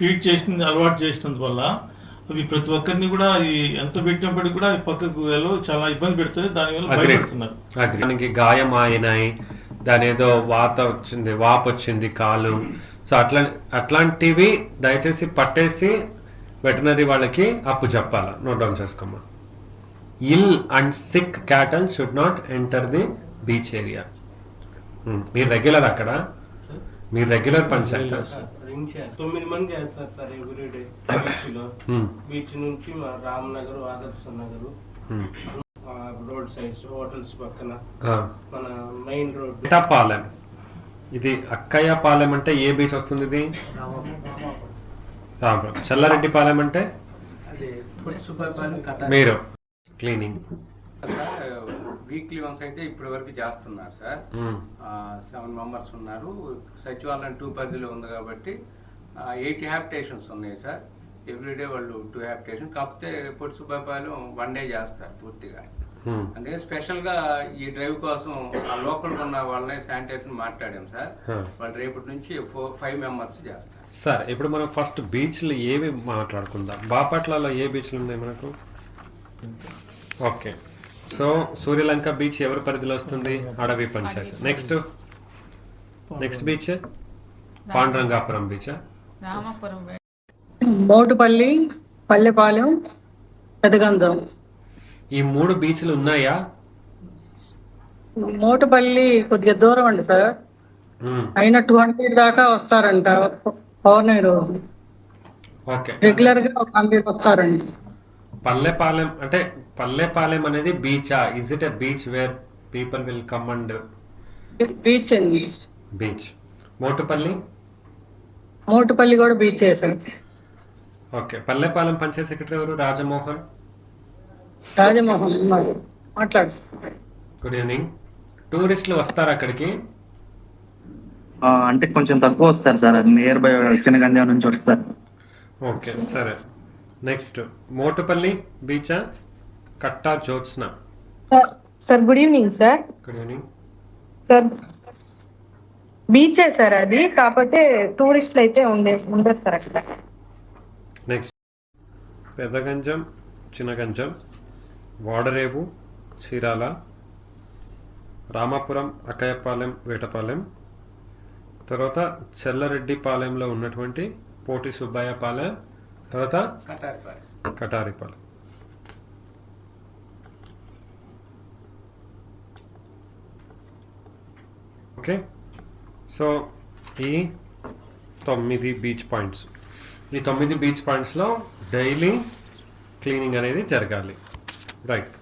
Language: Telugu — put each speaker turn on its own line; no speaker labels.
ఫీడ్ చేసిన అలవాటు చేసినందువల్ల అవి ప్రతి ఒక్కరిని కూడా ఎంత పెట్టినప్పటికీ కూడా పక్కకు చాలా ఇబ్బంది పెడుతుంది, దానివల్ల భయపెడుతున్నారు.
దానికి గాయం అయినాయి, దాని ఏదో వాపు వచ్చింది కాలు, సో అట్లాంటివి దయచేసి పట్టేసి వెటనరీ వాళ్ళకి అప్పు చెప్పాలా. నోట్ డౌన్ చేసుకోమ్మా. Ill and sick cattle should not enter the beach area. మీరు రెగ్యులర్ అక్కడ, మీరు రెగ్యులర్ పంచాయతీ
9 మంది చేస్తారు సార్ ఎవ్రీడే బీచ్ లో. బీచ్ నుంచి మా రామ్నగర్, ఆదర్శ నగర్, రోడ్ సైడ్స్ హోటల్స్ పక్కన మన మెయిన్ రోడ్
పాలెం. ఇది అక్కయ్య పాలెం అంటే ఏ బీచ్ వస్తుంది? ఇది రామపురం. చల్లారెడ్డి పాలెం అంటే మీరు క్లీనింగ్
వీక్లీ వన్స్ అయితే ఇప్పటి వరకు చేస్తున్నారు సార్. 7 మెంబర్స్ ఉన్నారు. సచివాలయం 2 పరిధిలో ఉంది కాబట్టి 80 హ్యాబిటేషన్స్ ఉన్నాయి సార్. ఎవ్రీడే వాళ్ళు 2 హ్యాబిటేషన్. కాకపోతే పొట్టి సుబ్బాయిపాలెం 1 డే చేస్తారు పూర్తిగా. అందుకే స్పెషల్ గా ఈ డ్రైవ్ కోసం ఆ లోకల్ ఉన్న వాళ్ళని శానిటేషన్ మాట్లాడాం సార్. వాళ్ళు రేపటి నుంచి 5 మెంబర్స్ చేస్తారు
సార్. ఇప్పుడు మనం ఫస్ట్ బీచ్లు ఏవి మాట్లాడుకుందాం. బాపట్లలో ఏ బీచ్లు ఉన్నాయి మనకు? ఓకే, సో సూర్యలంక బీచ్ ఎవరి పరిధిలో వస్తుంది? Adavi panchayat. Next beach Pandurangapuram beach,
Motupalli, Pallepalem, Pedaganjam.
ఈ 3 బీచ్లు ఉన్నాయా?
మోటుపల్లి కొద్దిగా దూరం అండి సార్, అయినా 200 దాకా వస్తారంట పౌర్ణమి రోజు.
ఓకే,
రెగ్యులర్ గా 100 వస్తారండి.
పల్లెపాలెం అంటే పల్లెపాలెం అనేది బీచా? Is it a beach where people will come and
beach అండి.
బీచ్. మోటుపల్లి
కూడా బీచ్ చేశారు.
ఓకే, పల్లెపాలెం పంచాయత్ సెక్రటరీ ఎవరు? రాజమోహన్
మాట్లాడు.
Good evening. టూరిస్టులు వస్తారు అక్కడికి?
అంటే కొంచెం తక్కువ వస్తారు సార్, నియర్ బై చిన్నగంజాం నుంచి వస్తారు.
ఓకే సరే. నెక్స్ట్ మోటుపల్లి బీచా? Katta Jyotsna.
Sir good evening sir.
Good evening
sir. బీచే సార్ అది, కాకపోతే టూరిస్టులు అయితే ఉండరు సార్ అక్కడ.
నెక్స్ట్ పెదగంజం, చిన్నగంజం, వాడరేవు, చీరాల, రామాపురం, అక్కయ్యపాలెం, వేటపాలెం, తర్వాత చెల్లరెడ్డిపాలెంలో ఉన్నటువంటి పోటి సుబ్బయ్య పాలెం, తర్వాత కటారిపాలెం. ఓకే, సో ఈ 9 బీచ్ పాయింట్స్, ఈ 9 బీచ్ పాయింట్స్లో డైలీ క్లీనింగ్ అనేది జరగాలి. రైట్.